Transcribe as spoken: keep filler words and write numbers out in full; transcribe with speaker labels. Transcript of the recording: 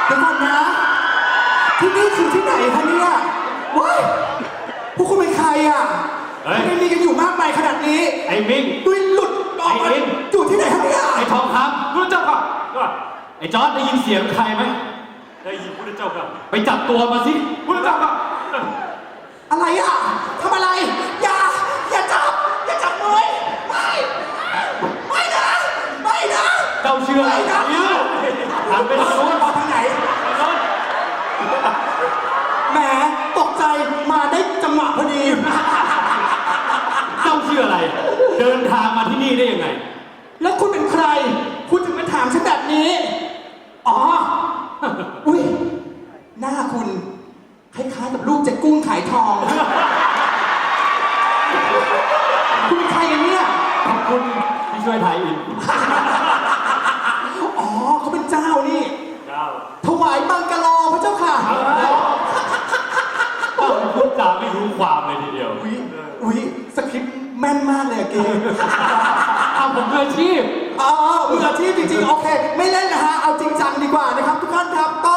Speaker 1: เดี๋ยวก่อนนะที่นี่คือที่ไหนคะเนี่ยว้ายพวกคุณเป็นใครอ่ะทำไมมีกันอยู่มากมายขนาดนี้
Speaker 2: ไอ้มิง
Speaker 1: ด้วยหลุดออกมาอยู่ที่ไหนคะเนี่ย
Speaker 2: ไอ้ทองคำรู้เจ้าค่ะไอ้จอร์ดได้ยินเสียงใครไหม
Speaker 3: ได้ยินพุทธเจ้าค่ะ
Speaker 2: ไปจับตัวมาสิพุทธเจ้าค่ะ
Speaker 1: อะไรอ่ะทำอะไรอย่าอย่าจับอย่าจับมือไม่ไม่นะไม่นะ
Speaker 2: เจ้าเชื่ออะไรนะทำเป็นโน้น
Speaker 1: มาทางไหนแหมตกใจมาได้จังหวะพอดี
Speaker 2: เจ้าเชื่ออะไรเดินทางมาที่นี่ได้ยังไง
Speaker 1: แล้วคุณเป็นใครคุณถึงมาถามฉันแบบนี้อ๋ออุ้ยหน้าคุณคล้ายๆกับลูกเจ๊กุ้งขายทองคุณเป็นใครกันเนี่ย
Speaker 2: ขอบคุณที่ช่วยไทยอิน
Speaker 1: อ๋อเขาเป็นเจ้านี่
Speaker 3: เจ้า
Speaker 1: ถวายบังกะโลพระเจ้าค่ะ
Speaker 2: ต้องพูดจาไม่รู้ความเลยทีเดียว
Speaker 1: อุ้ยอุ้ยสคริปต์แม่นมากเลยเกม
Speaker 2: เอาผมมืออาชีพ
Speaker 1: อ๋อมืออาชีพจริงๆโอเคไม่เล่นนะฮะเอาจริงจังดีกว่านะครับทุกท่านครับ